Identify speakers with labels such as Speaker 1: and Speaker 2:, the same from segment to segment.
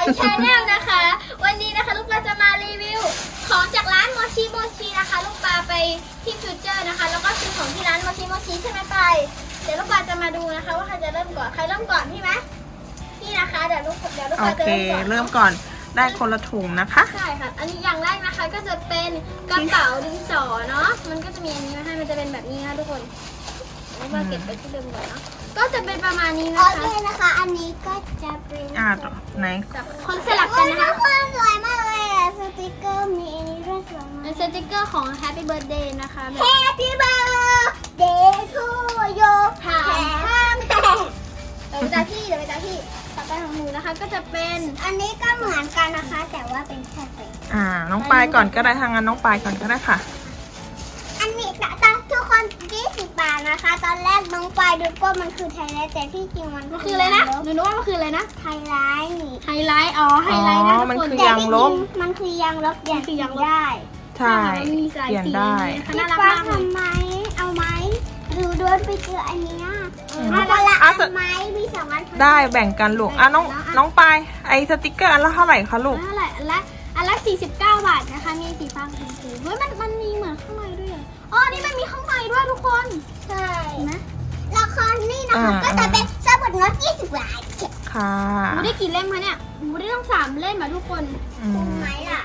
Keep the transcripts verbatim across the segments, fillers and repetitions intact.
Speaker 1: ชาแนลนะคะวันนี้นะคะลูกปลาจะมารีวิวของจากร้านโมชิโมชินะคะลูกปลาไปที่ฟิวเจอร์นะคะแล้วก็ซื้อของที่ร้านโมชิโมชิใช่ไหมไปเดี๋ยวลูกปลาจะมาดูนะคะว่าใครจะเริ่มก่อนใครเริ่มก่อนพี่ไหมพี่นะคะเดี๋ยวลูกเดี๋ยวลูก
Speaker 2: โอ
Speaker 1: ปลาจะ
Speaker 2: เค
Speaker 1: เริ่มก่อน
Speaker 2: เริ่มก่อนได้คนละถุงนะคะ
Speaker 1: ใช่ค่ะอันนี้อย่างแรกนะคะก็จะเป็นกระเป๋าดินสอเนาะมันก็จะมีอันนี้มาให้มันจะเป็นแบบนี้นะทุกคนลูกปลาเก็บไปที่เดิมก่อนเนาะก็จะเป็นประมาณนี้นะคะโอเคนะคะอันนี้ก็จะเป็น
Speaker 2: อ่าไหน
Speaker 1: คนสลับกันนะคะ
Speaker 3: สวยมากเลยอะสติกเกอร์มีอันนี้ด้วยสวยมาก
Speaker 1: เป็นสติกเกอร์ของ Happy Birthday นะคะแบบ
Speaker 3: Happy birthday to you
Speaker 1: ค่ะ
Speaker 3: Happy
Speaker 1: เดี๋ยวไปตาที่เดี๋ยวไปตาที่ต่อไปของหนูนะคะก็จะเป็น
Speaker 3: อันนี้ก็เหมือนกันนะคะ แต่ว่าเป็นแค่เป็น
Speaker 2: อ่าน้องปายก่อนก็ได้ทางนั้นน้องปายก่อนก็ได้ค่ะ
Speaker 3: อันนี้ตอนทุกคนยี่สิบบาทนะคะ ตอนแรกน้องปายดูก็มันคือไทยไลท์แต่ที่จริงมัน
Speaker 1: มันคืออะไรนะหนูนึกว่ามันคืออะไรนะ
Speaker 3: ไทยไลท์นี่
Speaker 1: ไฮไลท์อ๋อไฮไลท์นะ
Speaker 2: อ๋อ
Speaker 1: ทุก
Speaker 2: มัน
Speaker 1: คน
Speaker 2: คือ
Speaker 3: แต่
Speaker 2: ยาง
Speaker 3: ที่
Speaker 2: ล
Speaker 3: จริ
Speaker 2: บ
Speaker 3: งมันคือยางลบเปลี่ยน
Speaker 1: มันคือยางลบ
Speaker 3: ได้
Speaker 2: ใช่
Speaker 1: มันมีสาย
Speaker 2: เปลี่ยน
Speaker 1: สี
Speaker 2: ได้
Speaker 1: นะคะ
Speaker 3: พี่
Speaker 1: น่ารัก
Speaker 3: ป้าม
Speaker 1: ากเลย
Speaker 3: ทำไหมเอาไหมดูโดนไปเจออันเนี้ย
Speaker 2: อืม
Speaker 3: เอาคนละ
Speaker 2: อ่ะ
Speaker 3: อันไหมมีสองอัน
Speaker 2: ได้แบ่งกันลูกอ่ะน้องน้องปายไอสติกเกอร์อันละเท่าไหร่คะลูก
Speaker 1: เท่าไหร่อันละอันละสี่สิบเก้าบาทนะคะมีสีฟ้ากับสีชมพูเฮ้ยมันมันมีเหมือนข้างในด้วยเหรออ๋อนี่มันมีข้างในด้วยทุกคน
Speaker 3: ใช่
Speaker 1: เห็นไหม
Speaker 3: ละครนี่นะคะก็จะเป็นสมุดโน้ตยี่สิบบาท
Speaker 2: ค่ะ
Speaker 1: หนูได้กี่เล่มคะเนี่ยหนูได้ต้องสามเล่มอ่ะทุกคน
Speaker 2: อื
Speaker 3: คุ้ม
Speaker 2: ม
Speaker 3: ไหมล่ะ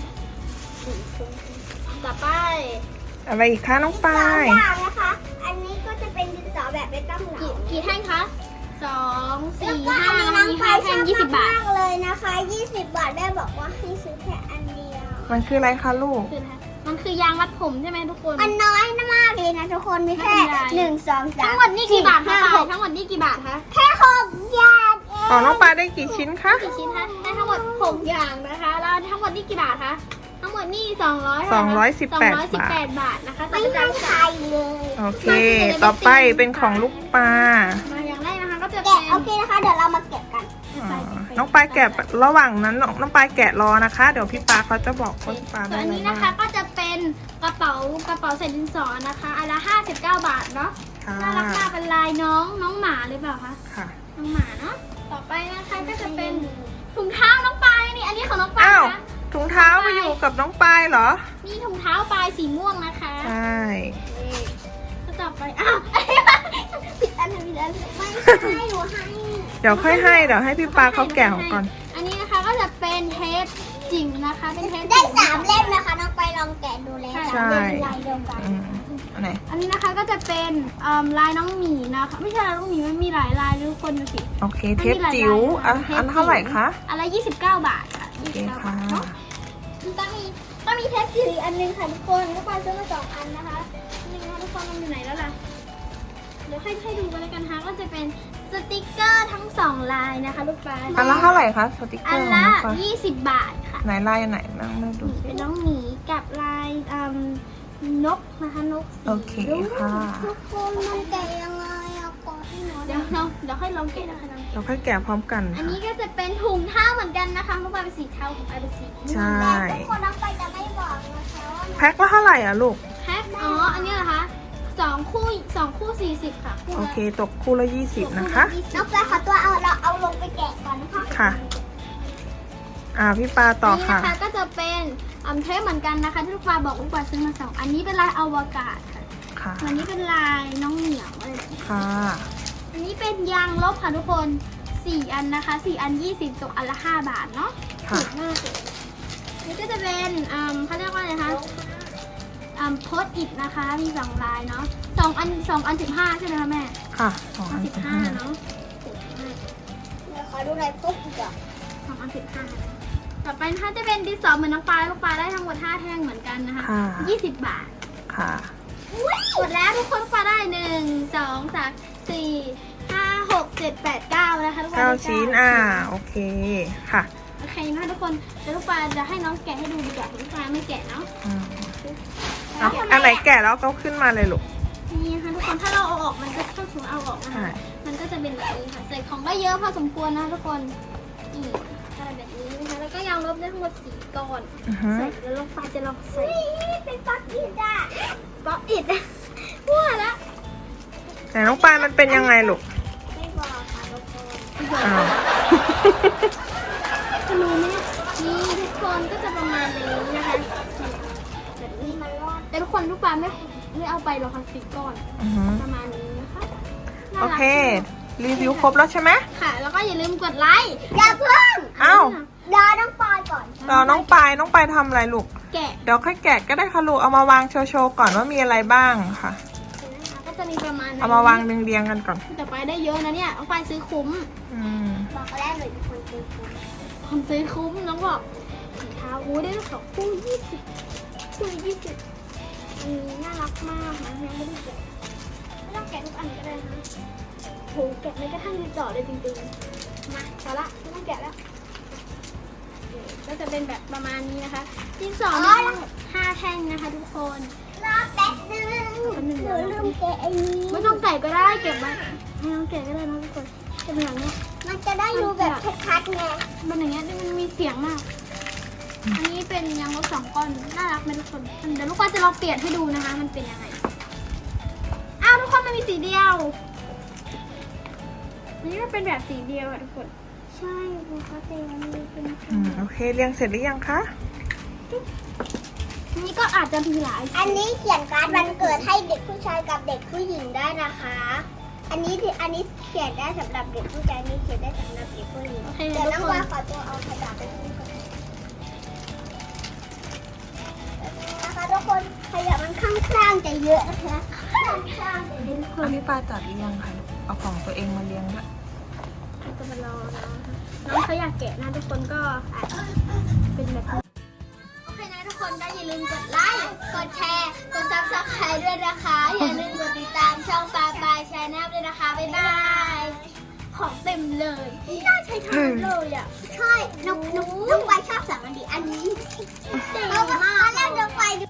Speaker 1: ต่อไป
Speaker 2: อะไรอีกคะน้องปา
Speaker 3: สอง
Speaker 2: ย
Speaker 3: อย่างนะคะ อันนี้ก็จะเป็นดินสอแบบไม่ต้องเหลา
Speaker 1: กี่กี่แท่งคะสอง
Speaker 3: แล้ว
Speaker 1: สี่
Speaker 3: ก็
Speaker 1: ห้า
Speaker 3: อันนี้น้อง
Speaker 1: มี
Speaker 3: ไป
Speaker 1: ห้า
Speaker 3: ช
Speaker 1: แท่
Speaker 3: องบ
Speaker 1: ยี่สิบบาท
Speaker 3: มากเลยนะคะยี่สิบบาทแม่บอกว่าให้ซื้อแค่อันเดียว
Speaker 2: มันคืออะไรคะลูก
Speaker 1: คืออะไรมันคือยางรัดผมใช่ไหมทุกคน
Speaker 3: มันน้อยมากเลยนะทุกคนมีแค่
Speaker 1: ไม่เป็นไร
Speaker 3: หนึ่งสองสาม
Speaker 1: ทั้งหมดนี่กี่บาทคะ
Speaker 3: ห้
Speaker 1: ปา
Speaker 3: ห
Speaker 1: ย
Speaker 3: ก
Speaker 1: ทั้งหมดนี่กี่บาทคะ
Speaker 3: แค่หกอย่างเอง
Speaker 2: อ๋อน้องปายได้กี่ชิ้นคะ
Speaker 1: กี่ชิ้นคะได้ทั้งหมดหกอย่างนะคะแล้วทั้งหมดนี่กี่บาทคะทั้งหมดนี่สองร้อย
Speaker 2: สองร้อยสิบแปด
Speaker 1: สองร้อยสิบแปดบาทนะคะ
Speaker 3: ไม่
Speaker 1: ต่อ
Speaker 3: ให้
Speaker 1: ไป
Speaker 3: ใครเลย
Speaker 2: โอเค ต่อไปเป็นของลูกปลา
Speaker 1: มาอย่างแรกนะคะก็จะ
Speaker 3: แกะ
Speaker 1: เป็น
Speaker 3: โอเคนะคะ เดี๋ยวเรามาเก็บกัน
Speaker 2: อ๋อน้องปลายแกะระหว่างนั้นน้องน้องปลายแกะรอนะคะ เดี๋ยวพี่ปลาเขาจะบอกว่าพี่ปลา
Speaker 1: ส่
Speaker 2: ได้
Speaker 1: วนอัน
Speaker 2: อะไร
Speaker 1: นี้
Speaker 2: บ้า
Speaker 1: นะคะ
Speaker 2: ง
Speaker 1: ก็จะเป็นกระเป๋ากระเป๋าใส่ดินสอนะคะอันละห้าสิบเก้าบาทเนาะ
Speaker 2: ค่ะ
Speaker 1: น่ารักมากเป็นลายน้องน้องหมาหรือเปล่าคะ
Speaker 2: ค่ะ
Speaker 1: น้องหมาเนาะต่อไปนะคะก็จะเป็นถุงเท้าน้องปลายนี่อันนี้ของน้องปลาย
Speaker 2: อ้าว
Speaker 1: นะ
Speaker 2: ถุงเท้าไปอยู่กับน้องปลายเหรอ
Speaker 1: นี่ถุงเท้าปลายสีม่วงนะคะ
Speaker 2: ใช่
Speaker 1: ก็ต่อไปอ้าว
Speaker 3: ผิดอันผิดอันไม่ให้หนูให้
Speaker 2: เดี๋ยวค่อยให้เดี๋ยวให้พี่ปลาเขาแกะของก่อน
Speaker 1: อันนี้นะคะก็จะเป็นเทปจิ๋วนะคะเป็นเทป
Speaker 3: ได้
Speaker 1: จิ๋ว
Speaker 3: สามเล่มนะคะ น้องไปลองแกะดูแล้ว
Speaker 2: ใช่
Speaker 3: สามเล่มลายเดียวกัน
Speaker 2: อืมอันไหน
Speaker 1: อันนี้นะคะก็จะเป็นเอิ่มลายน้องหมีนะคะไม่ใช่ลายน้องหมีมันมีหลายลายทุกคนดูสิ
Speaker 2: โอเค เทปจิ๋วอ่ะอันเท่าไหร่คะ
Speaker 1: อันละยี่สิบเก้าบาทค่ะ
Speaker 2: โอ
Speaker 1: ยี่
Speaker 2: เค
Speaker 1: สิบเก้า
Speaker 2: ค่ะ
Speaker 1: บาทเนาะก็มีก็มีเทปจิ๋วอีกอันนึงค่ะทุกคนก็ไปซื้อมาสองอันนะคะนี่นะคะทุกคนมันอยู่ไหนแล้วล่ะเดี๋ยวให้ให้ดูกันแล้วกันนะคะก็จะเป็นสติกเกอร์ทั้งสองลายนะคะลูกปลา
Speaker 2: อันละเท่าไหร่คะสติกเก
Speaker 1: อั
Speaker 2: อน ร์ของ
Speaker 1: ละ
Speaker 2: น้องปลา
Speaker 1: ยี่สิบบาทค่ะ
Speaker 2: ไหนลายอันไหนบ้างไม่ดู
Speaker 1: เป็นน้องหมีกับลายอืมนกนะคะนกสี
Speaker 2: โอเคค่ะ
Speaker 3: ทุกคนมันแกะยังไงเอาก่อนให้หนู
Speaker 1: เดี๋ยวเราเดี๋ยวให้ลองแกะนะคะน้อง
Speaker 2: เราค่อยแกะพร้อมกัน
Speaker 1: อัน
Speaker 2: ค่ะ
Speaker 1: นี้ก็จะเป็นถุงเท้าเหมือนกันนะคะลูกปลาเป็นสีเทาของปลาเป็นสีม่วง
Speaker 2: ใช่
Speaker 3: แต่ทุกคนน้องไปจะไม่บอกนะคะว่า
Speaker 2: แพ็คละเท่าไหร่อ่ะลูก
Speaker 1: แพ็คอ๋ออันนี้เหรอคะสองคู่สองคู่สี่สิบค่ะคู่
Speaker 2: โอ
Speaker 1: ละ
Speaker 2: เค ตกคู่ละยี่สิบนะคะ
Speaker 1: ยี่สิบ
Speaker 3: น้องไปขอตัวเอาเราเอาลงไปแกะก่อนนะคะ
Speaker 2: ค่ะ อ่าพี่ปลาต่อค่ะ
Speaker 1: นนี้นะคะก็จะเป็นอัมเทปเหมือนกันนะคะที่ลูกปลาบอกลูกปลาซื้อมาสองอันนี้เป็นลายอวกาศค่ะ
Speaker 2: ค่ะ
Speaker 1: อันนี้เป็นลายน้องเหมียวอะไรแบบนี้
Speaker 2: ค่ะ
Speaker 1: อันนี้เป็นยางลบค่ะทุกคนสี่อันนะคะสี่อันยี่สิบตกอันละห้าบาทเนาะ
Speaker 2: ค่ะ
Speaker 1: ถูกมากเลยนี่ก็จะเป็นอืมเขาเรียกว่าอะไรคะอืมโพสอิดนะคะมีสองลายเนาะสองอันสองอันสิบห้าใช่ไหมคะแม่
Speaker 2: ค่ะสองอัน
Speaker 1: สิบ
Speaker 2: สิบ
Speaker 1: ห้า
Speaker 2: ห้า
Speaker 1: เนาะถูกมาก
Speaker 3: เดี๋ยวขอดูลายพวกอีกอ่ะ
Speaker 1: สองอันสิบห้าต่อไปนะคะจะเป็นดินสอเหมือนน้องปลาลูกปลาได้ทั้งหมดห้าแท่งเหมือนกันนะคะ
Speaker 2: ค่ะ
Speaker 1: ยี่สิบบาท
Speaker 2: ค่ะ
Speaker 1: หมดแล้วทุกคนลูกปลาได้หนึ่งสองสามสี่ห้าหกเจ็ดแปดเก้านะคะลูกปลา
Speaker 2: เก้า
Speaker 1: ได้
Speaker 2: ชิ้น อ่า โอเค ค่ะ
Speaker 1: โอเคนะคะทุกคนเดี๋ยวลูกปลาจะให้น้องแกะให้ดูดีกว่าลูกปลาไม่แกะเนาะ
Speaker 2: อืมเอาอันไหนแกะแล้วก็ขึ้นมาเลยลูก
Speaker 1: นี่นะคะทุกคนถ้าเราเอาออกมันจะถ้าสมมติเอาออกนะ
Speaker 2: ใช่
Speaker 1: คะมันก็จะเป็นแบบนี้ค่ะใส่ของได้เยอะพอสมควรนะทุกคนนี่อะไรแบบนี้นะคะแล้วก็ยางลบได้ทั้งหมดสี่ก้อน
Speaker 2: อือฮึ
Speaker 1: ใส่แล้วลงไปจะลองใส่
Speaker 3: นี่เป็นป๊อปอีดอ่ะ
Speaker 1: ป๊อปอิดมั่วละ
Speaker 2: แต่น้องปลายมันเป็นยังไงลูก
Speaker 3: ไม่บอกค่ะทุกคน
Speaker 2: อ้าว
Speaker 1: จะรู้ไหมนี่ทุกคนก็จะประมาณนี้นะคะแบบนี้แต่ทุกคนลูกปลาไม่ไม่เอาไปหรอกค่ะสิบก้อน
Speaker 2: อือหือ
Speaker 1: ประมาณนี้นะคะน่า
Speaker 2: โอ
Speaker 1: รัก
Speaker 2: เค รีวิวครบแล้วใช่ไหม
Speaker 1: ค่ะ แล้วก็อย่าลืมกดไลค์
Speaker 3: อย่าเพิ่ง
Speaker 2: อ้าว
Speaker 3: รอน้องปอยก่อน
Speaker 2: รอน้องปายน้องปายทำอะไรลูก
Speaker 1: แกะ
Speaker 2: เดี๋ยวค่อยแกะก็ได้ค่ะลูก เอามาวางโชว์ๆก่อนว่ามีอะไรบ้างค่ะ
Speaker 1: นะคะก็จะมีประมาณนั้น
Speaker 2: เอามาวางเรียงๆกันก่อน
Speaker 1: แต่ไปได้เยอะนะเนี่ยเอาไปซื้อคุ้ม
Speaker 2: อืม
Speaker 3: บอกแรกเลยทุกคนคือ
Speaker 1: ผมซื้อคุ้มน้องบอกถุงเท้าอู้ได้สองคู่ยี่สิบคู่ยี่สิบอันนี้น่ารักมากนะยังไม่ได้แกะไม่ต้องแกะทุกอันก็ได้นะโหแกะไม่กระทั่งดีจ่อเลยจริงๆมาพอละไม่ต้องแกะแล้วก็จะเป็นแบบประมาณนี้นะคะที่สองมีห้าแท่งนะคะทุกคน
Speaker 3: รอแป๊บนึงหนูลืมแกะไอ้นี้
Speaker 1: ไม่ต้องใส่ก็ได้เก็บไว้ไม่ต้องแกะก็ได้นะทุกคนจะเป็นอย่างนี้
Speaker 3: มันจะได้ดูแบบชัดๆไง
Speaker 1: มันอย่างเงี้ยมันมีเสียงมาก อันนี้เป็นยางลบสองก้อนน่ารักไหมทุกคนเดี๋ยวลูกก็จะลองเปลี่ยนให้ดูนะคะ มันเป็นยังไงอ้าวทุกคนมันมีสีเดียวอันนี้มันเป็นแบบสีเดียวอะทุกคน
Speaker 3: ใช่ปกติมันมีเป็น
Speaker 2: อืม โอเค เรียงเสร็จหรือยังคะ
Speaker 1: อันนี้ก็อาจจะมีหลายสี
Speaker 3: อันนี้เขียนการ์ดวันเกิดให้เด็กผู้ชายกับเด็กผู้หญิงได้นะคะ อันนี้ที่อันนี้เขียนได้สำหรับเด็กผู้ชายอันนี้เขียนได้สำหรับเด็กผู้หญิง
Speaker 1: โอเค
Speaker 3: เดี๋ยว
Speaker 1: ทุ
Speaker 3: น้
Speaker 1: ก
Speaker 3: อง
Speaker 1: คน
Speaker 3: ว่าขอตัวเอากระดาษไปทิ้งก่อนนะคะทุกคนขยะมันข้างๆจะเยอะนะคะข้างๆจะเยอะ
Speaker 2: อันนี้ปลาจัดหรือยังคะลูกเอาของตัวเองมาเรียงด้วย
Speaker 1: จะมารอน้องน้องเขาอยากแกะนะทุกคนก็อาจเป็นแบบนี้โอเคนะทุกคนก็อย่าลืมกดไลค์ กดแชร์ กดซับสไครต์ด้วยนะคะ อย่าลืมกดติดตามช่องปลาปลายชาแนลด้วยนะคะ บ๊ายบาย ของเต็มเลยน่าใช้ทานเลยอ่ะ
Speaker 3: ใช่น้องน้องน้องไปชอบสั่งอันนี้อันนี้
Speaker 1: เจ๋ง
Speaker 3: เพราะว่าม
Speaker 1: าก
Speaker 3: ตอนแรกน้องไปดู